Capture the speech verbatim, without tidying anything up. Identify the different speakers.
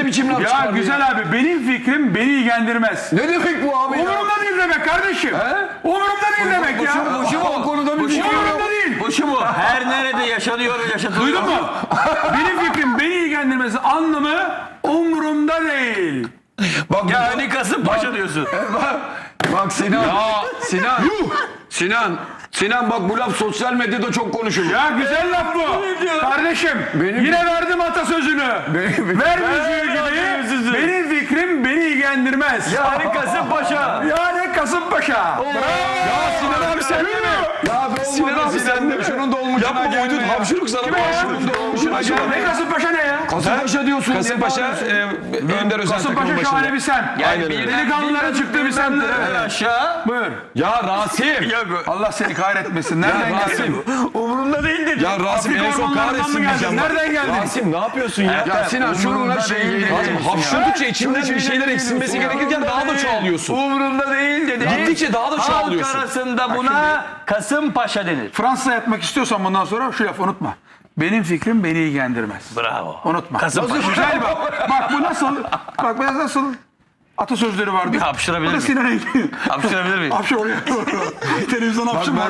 Speaker 1: biçim laf
Speaker 2: Ya
Speaker 1: çıkardın
Speaker 2: güzel abi, benim fikrim beni ilgilendirmez.
Speaker 1: Ne demek bu abi ya?
Speaker 2: Umurumda değil demek kardeşim. Umurumda değil demek ya.
Speaker 1: Bu şu mu? O konuda bir fikir yok.
Speaker 2: Umurumda değil.
Speaker 3: Bu şu mu? Her nerede yaşanıyor yaşatılıyor.
Speaker 2: Duydun mu? Benim fikrim beni ilgilendirmez anlamı umurumda değil.
Speaker 1: Bak,
Speaker 3: Yani Kasımpaşa diyorsun.
Speaker 1: bak, bak Sinan. Sinan. Sinan. Sinan bak bu laf sosyal medyada çok konuşulur.
Speaker 2: Ya güzel laf bu. Kardeşim
Speaker 1: Benim-
Speaker 2: yine verdim atasözünü.
Speaker 1: Benim-
Speaker 2: Vermeyeceği gibi benim fikrim beni ilgilendirmez.
Speaker 3: Yani Kasımpaşa.
Speaker 2: Yani Kasımpaşa.
Speaker 1: Ya Sinan abi sen de mi? Ya be Sinan abi sen de mi? Şunun dolmuşuna
Speaker 4: Yapma
Speaker 1: gelme
Speaker 4: uydun
Speaker 1: ya.
Speaker 4: hapşırık sana.
Speaker 2: Kime ya?
Speaker 1: Şunun dolmuşuna gelme.
Speaker 2: Ne Kasımpaşa ne ya?
Speaker 1: Kasımpaşa diyorsun.
Speaker 4: Kasımpaşa
Speaker 1: diye
Speaker 4: e, Önder Özel takımın
Speaker 2: Kasımpaşa şahane
Speaker 4: başında.
Speaker 2: bir semt.
Speaker 4: Aynen öyle.
Speaker 2: Delikanlıların çıktığı bir semttir.
Speaker 3: Evet.
Speaker 2: Evet.
Speaker 3: Aşağı.
Speaker 2: Buyur.
Speaker 4: Ya Rasim.
Speaker 2: Allah seni kahretmesin. Nereden
Speaker 4: Ya
Speaker 2: geldin?
Speaker 4: Rasim.
Speaker 3: Umurumda değil dedi.
Speaker 4: Ya Rasim
Speaker 2: Afrika
Speaker 4: en son
Speaker 2: ormanlarından
Speaker 4: kahretsin
Speaker 2: mı geldin?
Speaker 4: diyeceğim. bak.
Speaker 2: Nereden geldin?
Speaker 4: Rasim ne yapıyorsun ya?
Speaker 1: Ya Sinan şununla şey
Speaker 4: Rasim hapşurdukça içinden bir şeyler eksilmesi gerekirken daha da çoğalıyorsun.
Speaker 3: Umurumda değil dedi.
Speaker 4: Gittikçe daha da
Speaker 3: Halk
Speaker 4: çoğalıyorsun.
Speaker 3: arasında buna Kasımpaşa denir.
Speaker 2: Fransa'da yatmak istiyorsan bundan sonra şu lafı unutma. Benim fikrim beni ilgilendirmez.
Speaker 3: Bravo.
Speaker 2: Unutma.
Speaker 3: Kasımpaşa.
Speaker 2: Güzel bak. Bak bu nasıl? Bak bu nasıl? Atasözleri vardı.
Speaker 3: Bir hapşırabilir
Speaker 2: Bu da
Speaker 3: miyim?
Speaker 2: Sinan Engin.
Speaker 3: Hapşırabilir miyim?
Speaker 2: Hapşır oraya. Televizyon hapşırma.